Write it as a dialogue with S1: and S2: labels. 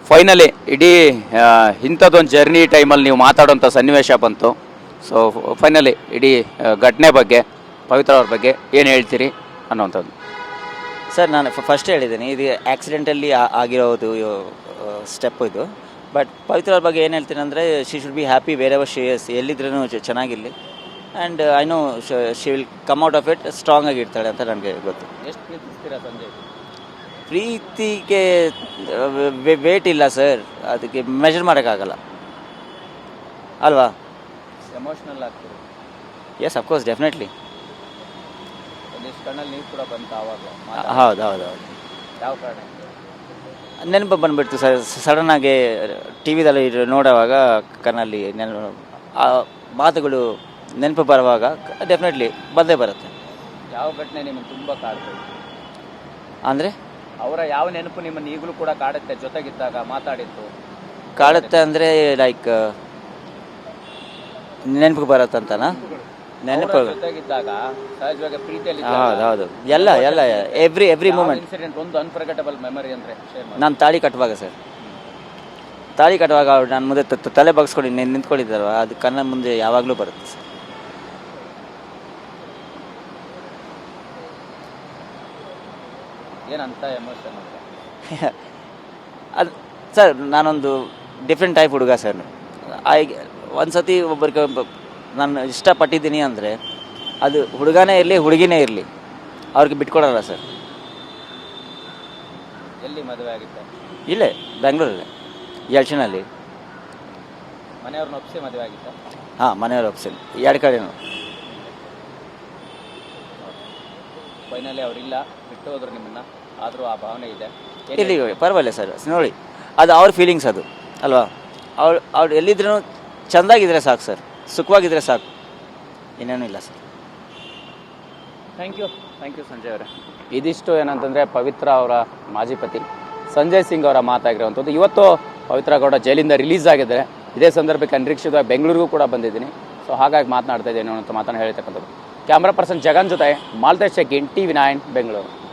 S1: Finally ಇಡೀ ಇಂಥದ್ದೊಂದು journey ಟೈಮಲ್ಲಿ ನೀವು ಮಾತಾಡೋಂಥ ಸನ್ನಿವೇಶ ಬಂತು. ಸೊ ಫೈನಲಿ ಇಡೀ ಘಟನೆ ಬಗ್ಗೆ ಪವಿತ್ರ ಅವ್ರ ಬಗ್ಗೆ ಏನು ಹೇಳ್ತೀರಿ ಅನ್ನೋವಂಥದ್ದು.
S2: ಸರ್ ನಾನು ಫಸ್ಟ್ ಹೇಳಿದ್ದೀನಿ, ಇದು ಆಕ್ಸಿಡೆಂಟಲ್ಲಿ ಆಗಿರೋದು ಸ್ಟೆಪ್ ಇದು. ಬಟ್ ಪವಿತ್ರ ಅವ್ರ ಬಗ್ಗೆ ಏನು ಹೇಳ್ತೀನಿ ಅಂದರೆ, she should be happy wherever she is, ಎಲ್ಲಿದ್ರೂ ಚೆನ್ನಾಗಿರಲಿ. And I know she will come out of it strong ಆಗಿರ್ತಾಳೆ ಅಂತ ನನಗೆ ಗೊತ್ತು.
S1: ಎಷ್ಟು ಪ್ರೀತಿಸ್ತೀರಾ ಸಂಜಯ್?
S2: ಪ್ರೀತಿಗೆ ವೇಟ್ ಇಲ್ಲ ಸರ್, ಅದಕ್ಕೆ ಮೆಷರ್ ಮಾಡೋಕ್ಕಾಗಲ್ಲ ಅಲ್ವಾ.
S1: ಎಮೋಷ್ನಲ್ ಆಗ್ತೀರಿ?
S2: Yes of course, definitely.
S1: ಒಂದಿಷ್ಟು ಕಣ್ಣಲ್ಲಿ ನೀರು ಕೂಡ ಬಂತು ಆವಾಗ?
S2: ಹೌದು ಹೌದು ಹೌದು.
S1: ಯಾವ ಕಾರಣ?
S2: ನೆನಪು ಬಂದುಬಿಡ್ತು ಸರ್, ಸಡನ್ನಾಗಿ ಟಿ ವಿದಲ್ಲಿ ನೋಡುವಾಗ ಕಣ್ಣಲ್ಲಿ ಆ ಮಾತುಗಳು ನೆನಪು ಬರುವಾಗ ಡೆಫಿನೆಟ್ಲಿ ಬಂದೇ ಬರುತ್ತೆ.
S1: ಯಾವ ಘಟನೆ ನಿಮ್ಮನ್ನು ತುಂಬ ಕಾಡ್ತದೆ
S2: ಅಂದರೆ?
S1: ಅವರ ಯಾವ ನೆನಪು ನಿಮ್ಮನ್ನು ಈಗಲೂ ಕೂಡ ಕಾಡುತ್ತೆ? ಜೊತೆಗಿದ್ದಾಗ ಮಾತಾಡಿತ್ತು
S2: ಕಾಡುತ್ತೆ ಅಂದರೆ ಲೈಕ್ ನೆನಪು ಬರುತ್ತಂತನಾ? ನೆನಪು
S1: ಜೊತೆಗಿದ್ದಾಗ ಸಹಜವಾಗಿ ಪ್ರೀತಿಯಲ್ಲಿ
S2: ಹೌದು ಹೌದು, ಎಲ್ಲ ಎಲ್ಲ ಎವ್ರಿ ಮೂಮೆಂಟ್.
S1: ಇನ್ಸಿಡೆಂಟ್ ಒಂದು ಅನ್ಫರ್ಗೆಟಬಲ್ ಮೆಮರಿ ಅಂದರೆ ಶೇರ್ ಮಾಡಿ.
S2: ನಾನು ತಾಳಿ ಕಟ್ಟುವಾಗ ಸರ್, ತಾಳಿ ಕಟ್ಟುವಾಗ ಅವ್ರು ನನ್ನ ಮುಂದೆ ತಲೆ ಬಗ್ಸ್ಕೊಂಡು ನಿಂತ್ಕೊಂಡಿದ್ದಾರವ, ಅದು ಕಣ್ಣ ಮುಂದೆ ಯಾವಾಗಲೂ ಬರುತ್ತೆ ಸರ್.
S1: ಏನಂತ ಎಮೋಷನ್
S2: ಅದು ಸರ್, ನಾನೊಂದು ಡಿಫ್ರೆಂಟ್ ಟೈಪ್ ಹುಡುಗ ಸರ್. ಒಂದು ಸತಿ ಒಬ್ಬರಿಗೆ ನಾನು ಇಷ್ಟಪಟ್ಟಿದ್ದೀನಿ ಅಂದರೆ ಅದು ಹುಡುಗನೇ ಇರಲಿ ಹುಡುಗಿನೇ ಇರಲಿ, ಅವ್ರಿಗೆ ಬಿಟ್ಕೊಡಲ್ಲ ಸರ್.
S1: ಎಲ್ಲಿ ಮದುವೆ ಆಗಿತ್ತು?
S2: ಇಲ್ಲೇ ಬೆಂಗಳೂರಲ್ಲೇ, ಯಲ್ಚನಲ್ಲಿ.
S1: ಮನೆಯವ್ರನ್ನ ಒಪ್ಪಿಸಿ ಮದುವೆ ಆಗಿತ್ತ?
S2: ಹಾಂ, ಮನೆಯವ್ರು ಒಪ್ಸಿನಿ, ಎರಡು ಕಡೆನೂ.
S1: ಫೈನಲಿ ಅವರಿಲ್ಲ, ಬಿಟ್ಟು ಹೋದ್ರು ನಿಮ್ಮನ್ನ, ಆದರೂ ಆ ಭಾವನೆ ಇದೆ.
S2: ಇಲ್ಲಿ ಪರವಾಗಿಲ್ಲ ಸರ್, ನೋಡಿ ಅದು ಅವ್ರ ಫೀಲಿಂಗ್ಸ್ ಅದು ಅಲ್ವಾ. ಅವ್ರು ಎಲ್ಲಿದ್ರೂ ಚೆಂದಾಗಿದ್ರೆ ಸಾಕು ಸರ್, ಸುಖವಾಗಿದ್ದರೆ ಸಾಕು, ಇನ್ನೇನೂ ಇಲ್ಲ ಸರ್.
S1: ಥ್ಯಾಂಕ್ ಯು ಸಂಜಯ್ ಅವರೇ. ಇದಿಷ್ಟು ಏನಂತಂದರೆ ಪವಿತ್ರ ಅವರ ಮಾಜಿ ಪತಿ ಸಂಜಯ್ ಸಿಂಗ್ ಅವರ ಮಾತಾಗಿರುವಂಥದ್ದು. ಇವತ್ತು ಪವಿತ್ರ ಗೌಡ ಜೈಲಿಂದ ರಿಲೀಸ್ ಆಗಿದ್ದಾರೆ. ಇದೇ ಸಂದರ್ಭಕ್ಕೆ ಅನಿರೀಕ್ಷಿತವಾಗಿ ಬೆಂಗಳೂರಿಗೂ ಕೂಡ ಬಂದಿದ್ದೀನಿ. ಸೊ ಹಾಗಾಗಿ ಮಾತನಾಡ್ತಾ ಇದ್ದೇನೆ ಅಂತ ಮಾತನ್ನು ಹೇಳ್ತಕ್ಕಂಥದ್ದು. ಕ್ಯಾಮ್ರಾ ಪರ್ಸನ್ ಜಗನ್ ಜೊತೆ ಮಾಲ್ತೇಶ್ ಚೆಕ್ಕಿನ್, TV9 ಬೆಂಗಳೂರು.